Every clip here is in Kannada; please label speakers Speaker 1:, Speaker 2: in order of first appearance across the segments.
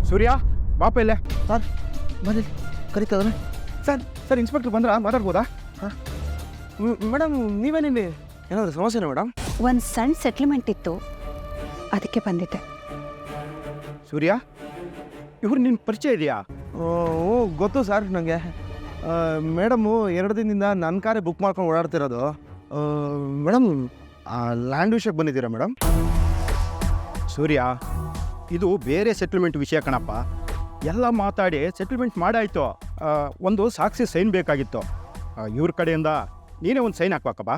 Speaker 1: ಸೂರ್ಯ ಬಾಪ ಇಲ್ಲೇ.
Speaker 2: ಸರ್ ಬನ್ನಿ ಕರಿತದ
Speaker 1: ಸರ್ ಇನ್ಸ್ಪೆಕ್ಟರ್ ಬಂದ್ರ ಮಾತಾಡ್ಬೋದಾ?
Speaker 2: ಹಾಂ ಮೇಡಮ್ ನೀವೇನಿಲ್ಲಿ ಏನಾದರೂ ಸಮಸ್ಯೆನಾ ಮೇಡಮ್?
Speaker 3: ಒಂದು ಸಣ್ಣ ಸೆಟ್ಲ್ಮೆಂಟ್ ಇತ್ತು, ಅದಕ್ಕೆ ಬಂದಿದ್ದೆ.
Speaker 1: ಸೂರ್ಯ, ಇವ್ರು ನಿನ್ನ ಪರಿಚಯ ಇದೆಯಾ?
Speaker 2: ಓ ಗೊತ್ತು ಸರ್ ನನಗೆ. ಮೇಡಮು 2 ದಿನದಿಂದ ನನ್ನ ಕಾರೇ ಬುಕ್ ಮಾಡ್ಕೊಂಡು ಓಡಾಡ್ತಿರೋದು. ಮೇಡಮ್ ಲ್ಯಾಂಡ್ ವಿಷಯಕ್ಕೆ ಬಂದಿದ್ದೀರಾ ಮೇಡಮ್?
Speaker 1: ಸೂರ್ಯ, ಇದು ಬೇರೆ ಸೆಟಲ್ಮೆಂಟ್ ವಿಷಯ ಕಣಪ್ಪ. ಎಲ್ಲ ಮಾತಾಡಿ ಸೆಟಲ್ಮೆಂಟ್ ಮಾಡಾಯಿತು. ಒಂದು ಸಾಕ್ಷಿ ಸೈನ್ ಬೇಕಾಗಿತ್ತು. ಇವ್ರ ಕಡೆಯಿಂದ ನೀನೇ ಒಂದು ಸೈನ್ ಹಾಕ್ಬೇಕಪ್ಪ.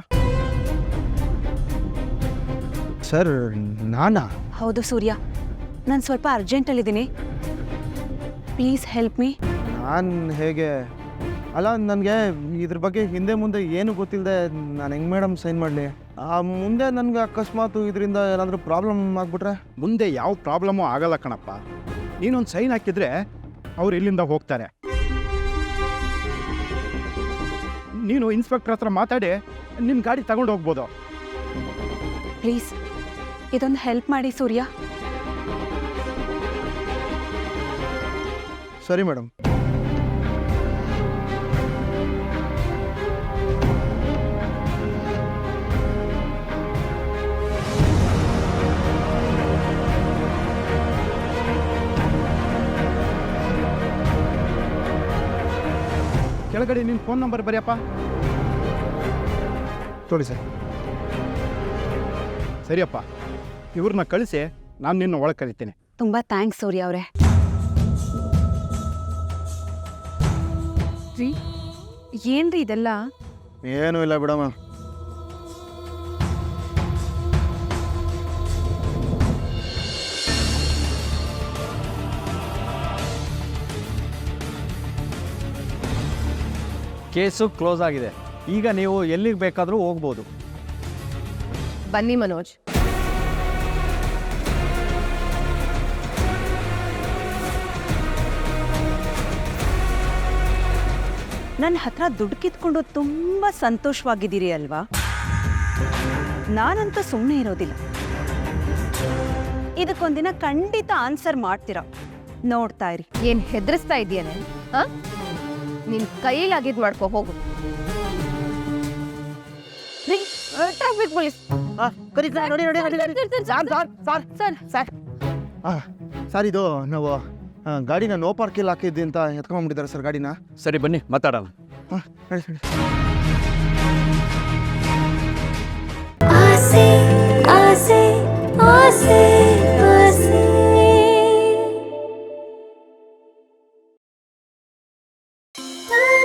Speaker 2: ಸರ್ ನಾನಾ?
Speaker 3: ಹೌದು ಸೂರ್ಯ, ನಾನು ಸ್ವಲ್ಪ ಅರ್ಜೆಂಟಲ್ಲಿದ್ದೀನಿ, ಪ್ಲೀಸ್ ಹೆಲ್ಪ್ ಮೀ.
Speaker 2: ನಾನು ಹೇಗೆ? ಅಲ್ಲ ನನಗೆ ಇದ್ರ ಬಗ್ಗೆ ಹಿಂದೆ ಮುಂದೆ ಏನು ಗೊತ್ತಿಲ್ಲದೆ ನಾನು ಹೆಂಗೆ ಮೇಡಮ್ ಸೈನ್ ಮಾಡಲಿ? ಮುಂದೆ ನನಗೆ ಅಕಸ್ಮಾತ್ ಇದರಿಂದ ಏನಾದರೂ ಪ್ರಾಬ್ಲಮ್ ಆಗಿಬಿಟ್ರೆ?
Speaker 1: ಮುಂದೆ ಯಾವ ಪ್ರಾಬ್ಲಮ್ಮು ಆಗಲ್ಲ ಕಣಪ್ಪ. ನೀನೊಂದು ಸೈನ್ ಹಾಕಿದ್ರೆ ಅವ್ರು ಇಲ್ಲಿಂದ ಹೋಗ್ತಾರೆ. ನೀನು ಇನ್ಸ್ಪೆಕ್ಟರ್ ಹತ್ರ ಮಾತಾಡಿ ನಿನ್ನ ಗಾಡಿ ತಗೊಂಡು ಹೋಗ್ಬೋದು.
Speaker 3: ಪ್ಲೀಸ್ ಇದೊಂದು ಹೆಲ್ಪ್ ಮಾಡಿ ಸೂರ್ಯ.
Speaker 2: ಸರಿ ಮೇಡಮ್.
Speaker 1: ಕೆಳಗಡೆ ನಿನ್ನ ಫೋನ್ ನಂಬರ್ ಬರೆಯಪ್ಪ.
Speaker 2: ತೊಳಿ ಸರ್.
Speaker 1: ಸರಿಯಪ್ಪ, ಇವ್ರನ್ನ ಕಳಿಸಿ ನಾನು ನಿನ್ನ ಒಳಗೆ ಕರಿತೀನಿ.
Speaker 3: ತುಂಬ ಥ್ಯಾಂಕ್ಸ್ ಸೂರ್ಯ ಅವರೇ.
Speaker 4: ರೀ ಏನ್ರಿ ಇದೆಲ್ಲ?
Speaker 2: ಏನೂ ಇಲ್ಲ ಬಿಡಮ್ಮ.
Speaker 5: ಕೇಸು ಕ್ಲೋಸ್ ಆಗಿದೆ. ಈಗ ನೀವು ಎಲ್ಲಿಗೆ ಬೇಕಾದರೂ ಹೋಗ್ಬೋದು.
Speaker 4: ಬನ್ನಿ ಮನೋಜ್.
Speaker 3: ನನ್ನ ಹತ್ರ ದುಡ್ಡು ಕಿತ್ಕೊಂಡು ತುಂಬ ಸಂತೋಷವಾಗಿದ್ದೀರಿ ಅಲ್ವಾ? ನಾನಂತೂ ಸುಮ್ಮನೆ ಇರೋದಿಲ್ಲ. ಇದಕ್ಕೊಂದಿನ ಖಂಡಿತ ಆನ್ಸರ್ ಮಾಡ್ತೀರಾ, ನೋಡ್ತಾ ಇರಿ.
Speaker 4: ಏನ್ ಹೆದರಿಸ್ತಾ ಇದೆಯೇನೆ? ನಿನ್ ಕೈಲಾಗಿದ್ ಮಾಡ್ಕೊ ಹೋಗು. ಟ್ರಾಫಿಕ್ ಪೊಲೀಸ್
Speaker 2: ಸರ್ ಇದು ನಾವು ಗಾಡಿನ ನೋ ಪಾರ್ಕಿಲ್ ಹಾಕಿದ್ದೆ ಅಂತ ಎತ್ಕೊಂಡ್ಬಿಟ್ಟಿದ್ದಾರೆ ಸರ್ ಗಾಡಿನ.
Speaker 5: ಸರಿ ಬನ್ನಿ ಮಾತಾಡೋಣ.
Speaker 2: ಹಾಂ ಹೇಳಿ ಹೇಳಿ.
Speaker 6: ಆಸೆ ಆಸೆ ಆಸೆ ಆಸೆ